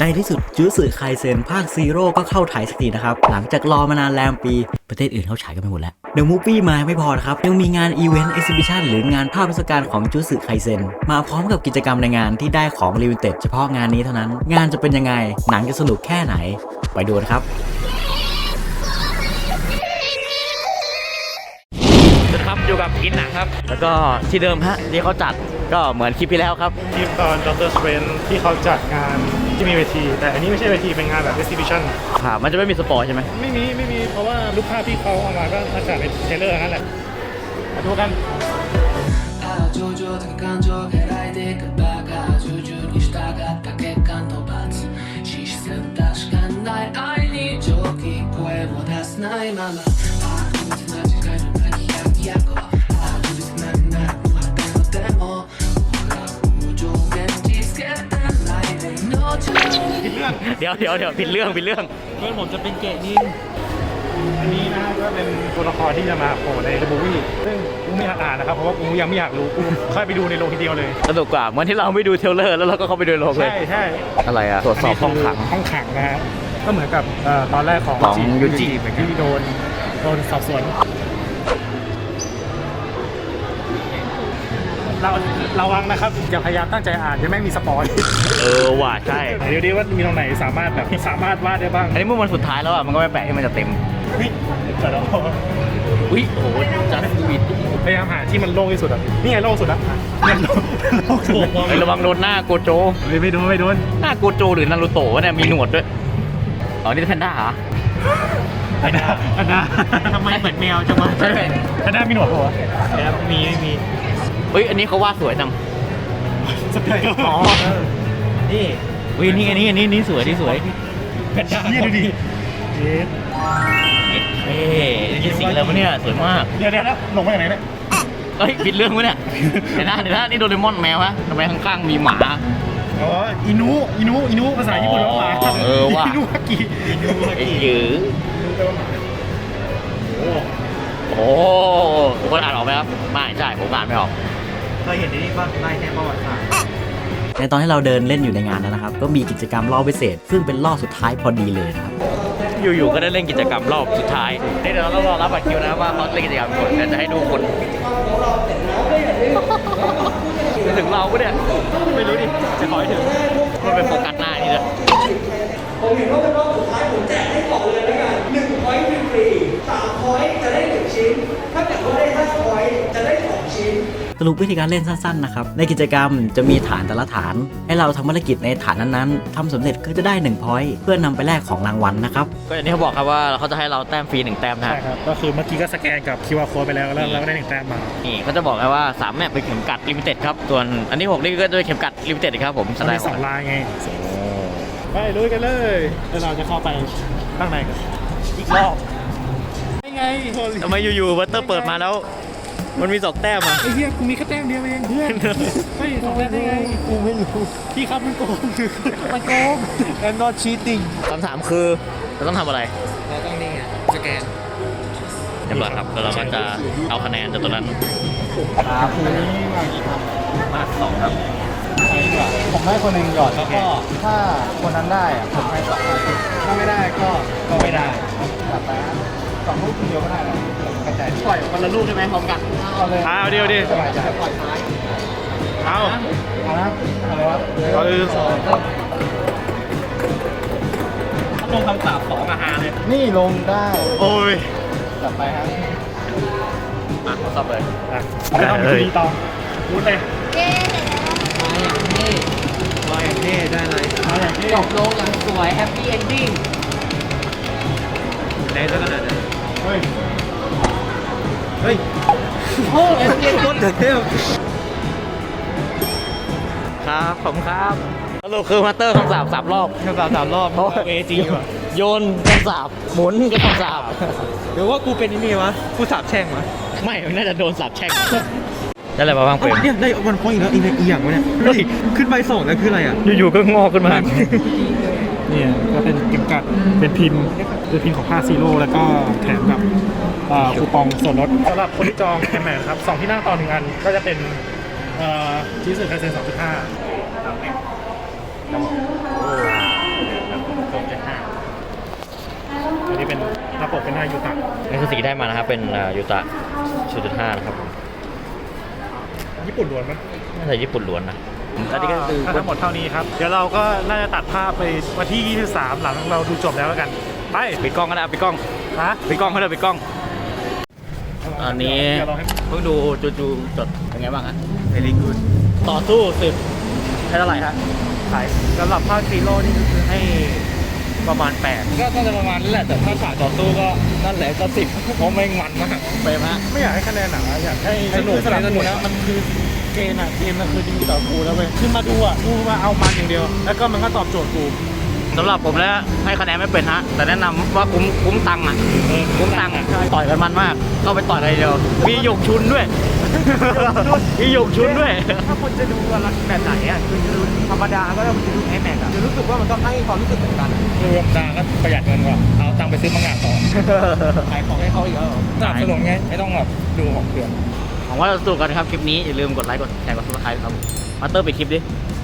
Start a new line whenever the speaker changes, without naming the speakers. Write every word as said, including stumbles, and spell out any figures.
ในที่สุดจูสึไคเซ็นภาคซีโร่ก็เข้าไทยสักทีนะครับหลังจากรอมานานแรมปีประเทศอื่นเขาฉายกันไปหมดแล้วเดอะมูฟวี่มาไม่พอนะครับยังมีงานอีเวนต์เอ็กซิบิชันหรืองานภาพเทศกาลของจูสึไคเซ็นมาพร้อมกับกิจกรรมในงานที่ได้ของลิมิเต็ดเฉพาะงานนี้เท่านั้นงานจะเป็นยังไงหนังจะสนุกแค่ไหนไปดูนะครับ
ครับอยู่กับกินหนังครับแล้วก็ที่เดิมฮะที่เขาจัดก็เหมือนคลิปที่แล้วครับ
คลิปตอนด็อกเตอร์สเตรนที่เขาจัดงานที่มีเวทีแต่อันนี้ไม่ใช่เวทีเป็นงานแบบเอ็กซิบิชัน
ครับมันจะไม่มีสปอร์ใช่ไหม
ไม่มีไม่มีเพราะว่ารูปภาพที่เขาเอามาก็มาจากในเทรลเลอร์นั่นแหละมาดูกัน
เดี๋ยวเดี๋ยวเดี๋ยวผิดเรื่องผิดเรื่อง
เพื่อนผมจะเป็นเกนินอันนี้นะก็เป็นตัวละครที่จะมาโผล่ในเดอะมูฟวี่ซึ่งกูไม่อยากอ่านนะครับเพราะว่ากูยังไม่อยากรู้กูค่อยไปดูในโรงทีเดียวเลย
สนุกกว่าเหมือนที่เราไม่ดูเทรลเลอร์แล้วเราก็เข้าไปดูโรงเลย
ใช่ใช่
อะไรอะตรวจสอบห้องขัง
ห้องขังนะฮะก็เหมือนกับตอนแรกของ
ของยูจิ
ที่โดนโดนสอบสวนเราระวังนะครับอย่าพยายามตั้งใจอ่านจะไม่มีสปอย
เออว่ะใช่
เดี๋ยวดีว่ามีตรงไหนสามารถแบบสามารถวาดได้บ้าง
อันนี้เมื่อวันสุดท้ายแล้วอ่ะมันก็ไม่แปลกที่มันจะเต็ม
วิแต่เรา
อุ้ยโอ้โหจัดสวีท
พยายามหาที่มันโล่งที่สุดอ่ะนี่ไงโล่งสุดอ่ะมันโล่งสุด
ไประวังโดนหน้าโกโจ
ไม่ไม่โดนไม่โดน
หน้าโกโจหรือนารูโตะเนี่ยมีหนวดด้วยอ๋อนี่แพนด้าเหรอ
แพนด้าแพนด้าทำไมเหมือนแมวจังวะแพนด้ามีหนวดป่ะครับมีมี
เฮ้ยอันนี้เขาวาดสวยจัง
สเปรย์อ๋อ
นี่วินี่อันนี้อันนี้นี่สวยนี่สวย
แพนด้านี่ดูดิเอ๊ะ
เอ๊ะนี่สีอะไรวะเนี่ยสวยมาก
เดี๋ยวเดี๋ยวลงมาจากไหนเนี่ย
เฮ้ยผิดเรื่องวะเนี่ยเดี๋ยวนะเดี๋ยวนะนี่โดเรมอนแมวฮะทำไมข้างๆมีหมา
อ๋ออินุอินุอินุภาษาญี่ปุ่นว่าหมา
เออว่ะ
อินุฮากิ
อินุฮากิยือโอ้คนอ่านออกไหมครับไม่ใช่ผมอ่านไม่ออก
เคยเห็นในนี้ป่ะไล่แค่ประวัติศาสตร์
ในตอนที่เราเดินเล่นอยู่ในงานนั้นนะครับก็มีกิจกรรมรอบพิเศษซึ่งเป็นรอบสุดท้ายพอดีเลยนะครับ
อยู่ๆก็ได้เล่นกิจกรรมรอบสุดท้ายเดี๋ยวเรารอรับบัตรคิวนะว่าเขาเล่นกิจกรรมก่อนเดี๋ยวจะให้ดูคนไปถึงเราปะเนี่ยไม่รู้ดิจะขอให้ถึงมันเป็นโฟกัสหน้านี่เลย
ผมเห็นว่าเป็นรอบสุดท้ายผมแจกให้ก่อนเลยแล้วกันหนึ่งพอยต์ฟรีสามพอยต์จะได้หนึ่งชิ้นถ้าเกิดว่าได้ห้าพอยต์จะได้สองชิ้น
สรุปวิธีการเล่นสั้นๆนะครับในกิจกรรมจะมีฐานแต่ละฐานให้เราทำภารกิจในฐานนั้นๆทำสำเร็จก็จะได้หนึ่งพอยต์เพื่อนำไปแลกของรางวัลนะครับ
ก็อย่างที่เขาบอกครับว่าเขาจะให้เราแต้มฟรีหนึ่งแต้มนะ
ใช่ครับก็คือเมื่อกี้ก็สแกนกับ คิว อาร์ Code ไปแล้วแล้วเราก็ได้หนึ่งแต้มมา
นี่เขาจะบอกไงว่าสามแมปเป็นเข็มกัดลิมิเต็ดครับส่วนอันที่หกนี่ก็จะเป็นเข็มกัดลิมิเต็ดครับผม
สไลด์สองลายไงไปลุยกันเลยแล้วเราจะเข้าไปข้างในกันอีกรอบไม่ไง
ทำไมอยู่ๆวัตเตอร์เปิดมาแล้วมันมีสองแต้มอ่ะ
ไอ้เหี้ยกูมีแค่แต้มเดียวเองเพื่อนเฮ้ยสองแต้มได้ไงกูไม่รู้พี่ครับมันโกงมันโกง I'm not cheating
คำถามคือเราต้องทำอะไร
เราต้องนี่ไงสแกน
เรียบร้อยครับแล้วเราก็จะเอาคะแนนจากตัวนั้น
ครับคุณนี่มากี่พัน
มากสองครับ
ผมให้คนหนึ่งหยอดแล้วก็ถ้าคนนั้นได้อะผมให้สองถ้าไม่ได้ก็ก็ไม่ได้กลับไปสองลูกเดียวก็ได้แล้วกระจาย
ปล่อยคนละลูกใช่ไหมพร้อมกัน
เอาเลยเอาเดียวดิสบายใจปล่อยท้ายเอาเอานะเอาเลยวะเอาเลยสอง
ลงคำสาบสองอาหารเลย
นี่ลงได้
โอ้ย
กลับไปครับ
อ่ะสอบเลย
อ่ะไม่ต้องมีต่อพูดเลย
เย้
มาอย่างนี้ได้เลยมาอย่างนี้
จบลงอย่างสวยแฮปปี้เอนดิ้ง
เล่นซะขนาดนั้น
เฮ้ยเฮ้ย
โอ้ยเรียนคน
เดือดเที่ยว
ครับผมครับสรุปคือมาสเตอร์คำสาบสามรอบ
คำสาบสามรอบเพราะเอจีว่ะ
โยนคำสาบหมุนก็คำสาบ
หรือว่ากูเป็นนี่วะกูสาบแช่งวะ
ไม่น่าจะโดนสาบแช่งได้อะไรมาบ้างเปรม
เนี่ยได้วันพอยต์อีกแล้วอีกอีกอย่างวะเนี่ยเฮ้ยขึ้นใบสองแล้วคืออะไรอ่ะ
อยู่ๆก็งอกขึ้นมา
เนี่ยก็เป็นเก็บกัดเป็นพิมพ์เป็นพิมพ์ของผ้าซีโร่แล้วก็แถมกับคูปองส่วนลดสำหรับคนที่จองแอมแมนครับสองที่นั่งต่อหนึ่งอันก็จะเป็นชีสไคเซน สองจุดห้ามายูตะ
นี่คือสิ่งที่ได้มานะครับ เป็นยูตะ ศูนย์จุดห้า นะครับ
ญี่ปุ่นล้วนมั้ย
น่าจะญี่ปุ่นล้วนนะอันนี้ก็คือ
ทั้งหมดเท่านี้ครับ เดี๋ยวเราก็น่าจะตัดภาพไปวันที่ยี่สิบสามหลังเราดูจบแล้วแล้วกัน ไป
ปิดกล้องก็ได้ปิดกล้อง
ฮะ
ปิดกล้องก็ได้ปิดกล้อง อันนี้
เดี๋ยวเราให้
เพิ่งดูจูจูจดเป็นไงบ้างฮะ very good ต่อสู้สิบให้เท่าไหร่ฮะ
ขายสำหรับภาคซีโร่นี่ก็คือให้ประมาณแปด
ก็น่าจะประมาณนั้นแหละแต่ถ้าฉากต่อสู้ก็นั่นแหละก็สิบเพราะไม่มันมากเปรมฮะ
ไม่อยากให้คะแนนหนังอะอยากให้
สนุก
สลับ
สนุก
นะมันคือเกมอะเกมมันคือดีต่อกูแล้วเว้ยคือมาดูอะดูมาเอามันอย่างเดียว แล้วก็มันก็ตอบโจทย์กู
สำหรับผมแล้วให้คะแนนไม่เป็นฮะแต่แนะนำว่าคุ้มคุ้มตังค์อ่ะคุ้มตังค์อ่ะต่อยกันมันมากเข้าไปต่อยอะไรเดียวมีหยกชุนด้วย มีหยกชุนด้วย
ถ้าคุณจะดูอะไรแบบไหนอ่ะคือจะดูธรรมดาก็ต้องดูไอแม็กอ่ะจะรู้สึกว่ามันก็ให้ความรู้สึกเหมือนกัน
คือธรรมดาก็ประหยัดเงินกว่าเอาตังค์ไปซื้อมังงะต่อ
ขายของให้เขาอีกแล้วเหรอ
สนับสนุนไงไม่ต้องแบบดูของเปลือง
หวังว่าจะสนุกกันนะครับคลิปนี้อย่าลืมกดไลค์กดแชร์กดซับสไครต์ครับมาเตอร์ปิดคลิปดิ